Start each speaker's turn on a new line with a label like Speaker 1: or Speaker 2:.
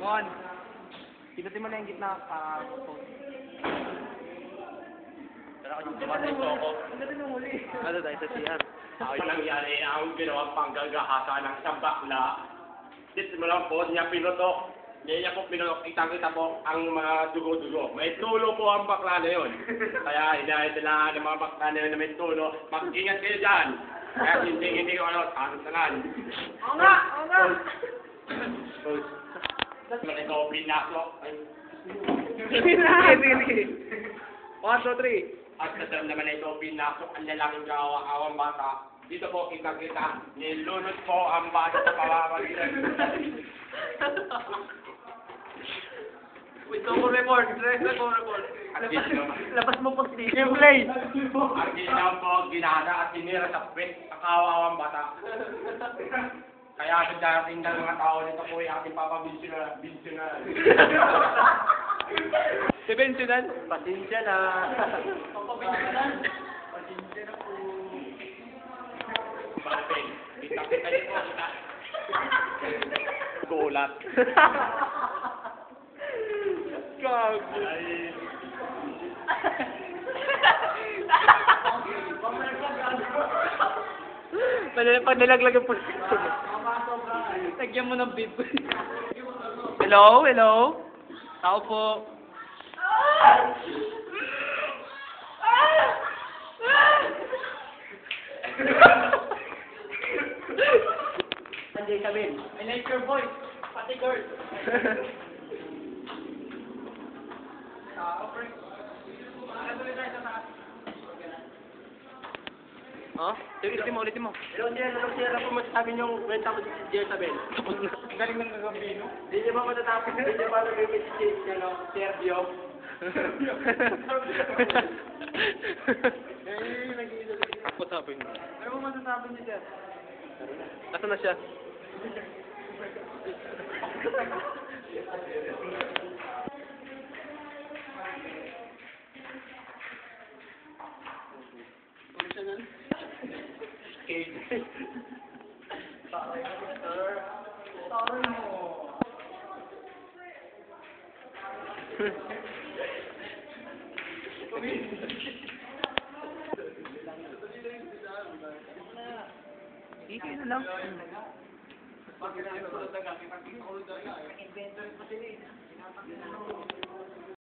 Speaker 1: On. Pinutin mo na yung gitna.
Speaker 2: Pero kung dumatay po ako,
Speaker 1: Ano tayo sa CR?
Speaker 2: ay nangyari ang ginawang panggagahasa ng isang bakla. Dito mo lang po, niya pinutok. Niya po pinutok, kitang-kita po ang mga dugo-dugo. May tulo po ang bakla na yun. Kaya hinahit nila ng mga bakla na yun na may tulo. Mag-ingat kayo dyan. Kaya hindi ko ano, tantanan.
Speaker 1: Oo nga! Oo nga!
Speaker 2: Mas ikaw pinasok.
Speaker 1: Sige na! Sige. 1, 2, 3.
Speaker 2: At sa naman na ito pinasok ang lalaking kawa-awang bata. Dito po kita-kita, nilunod po ang bata sa pamamagitan.
Speaker 1: Wait, no report. Labas mo po si yung play.
Speaker 2: Ang ginawa po, ginada at tinira sa pwet ang kawa-awang bata. Kaya sa darating ng mga tao nito po ay ating papabinsyonal.
Speaker 1: Sebensyonal?
Speaker 2: Pasensya na.
Speaker 1: Pasensya na po.
Speaker 2: Malapin. Kita-kita niyo po. Gulat.
Speaker 1: Gago. Pag nilaglag yung puso. Lagyan mo ng bib. Hello? Tao po.
Speaker 2: Sanjay Sabin.
Speaker 1: I like your voice. Pati girl. Oh? Ulitin mo.
Speaker 2: Hello, sir. Ano po masasabi niyong kwenta mo si Sanjay Sabin?
Speaker 1: Ang galing ng gagambino.
Speaker 2: Hindi niyo ba matatapos? Hindi niyo ba nag-image si Sergio?
Speaker 1: Masasabi niyo.
Speaker 2: Ano mo masasabi niyo, sir?
Speaker 1: Nasaan na siya? Hindi na lang. Pag